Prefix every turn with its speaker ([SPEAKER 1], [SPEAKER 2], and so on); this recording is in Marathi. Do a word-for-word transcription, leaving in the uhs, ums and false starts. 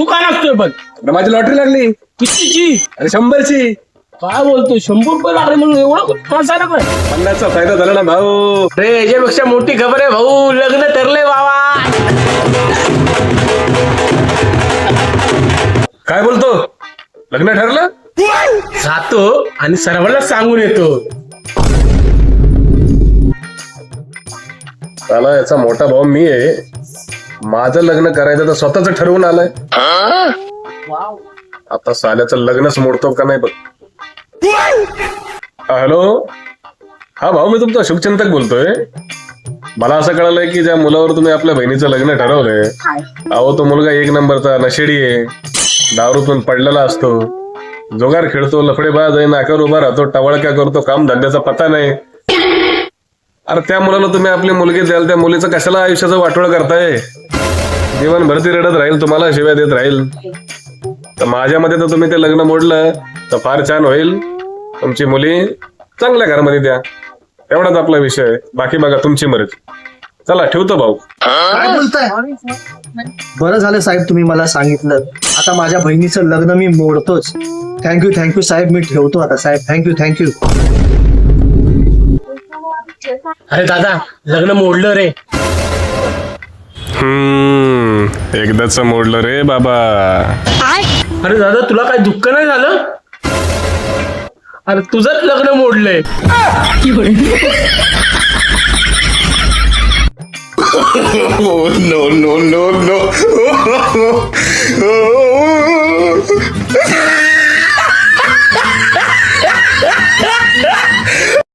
[SPEAKER 1] का नाचतोय पण?
[SPEAKER 2] अरे माझी लॉटरी लागली.
[SPEAKER 1] कितीची?
[SPEAKER 2] अरे शंभरची.
[SPEAKER 1] काय बोलतोय? शंभर रुपये लागले म्हणून एवढं नाचायला काय?
[SPEAKER 2] पन्नासचा फायदा झाला ना भाऊ.
[SPEAKER 1] रे याच्यापेक्षा मोठी खबर आहे भाऊ, लग्न ठरले बाबा.
[SPEAKER 2] काय बोलतो? लग्न ठरलं?
[SPEAKER 1] जातो आणि सर्वांना सांगून येतो.
[SPEAKER 2] त्याला याचा मोठा भाऊ मी आहे. माझं लग्न करायचं तर स्वतःच ठरवून आलंय. आता साल्याचं लग्नच मोडतो का नाही बघ. हॅलो, हा भाऊ, मी तुमचा शुभचिंतक बोलतोय. मला असं कळालंय की ज्या मुलावर तुम्ही आपल्या बहिणीचं लग्न ठरवलंय, अहो तो मुलगा एक नंबरचा नशेडी आहे. दारूतून पडलेला असतो, जोगार खेळतो, लफडेबाज आहे, नाक्यावर उभा राहतो, टवळक्या करतो, काम धंद्याचा पत्ता नाही. अरे त्या मुलाला तुम्ही आपली मुलगी द्याल, त्या मुलीचं कशाला आयुष्याचं वाटोळ करताय? जीवनभर ती रडत राहील, तुम्हाला शिव्या देत राहील. तर माझ्या मते तर तुम्ही ते लग्न मोडलं तर फार छान होईल. तुमची मुली चांगल्या घरामध्ये द्या, एवढाच आपला विषय आहे. बाकी बघा तुमची मर्जी. चला ठेवतो भाऊ.
[SPEAKER 3] काय बोलताय? बरं झालं साहेब तुम्ही मला सांगितलं. आता माझ्या बहिणीचं लग्न मी मोडतोच. थँक्यू थँक्यू साहेब, मी ठेवतो आता साहेब. Thank you thank you.
[SPEAKER 1] अरे दादा, लग्न मोडलं रे.
[SPEAKER 2] हम्म एकदाच मोडलं रे बाबा.
[SPEAKER 1] अरे दादा, तुला काही दुःख नाही झालं? अरे तुझंच लग्न मोडलंय.
[SPEAKER 4] Oh, no, no, no, no.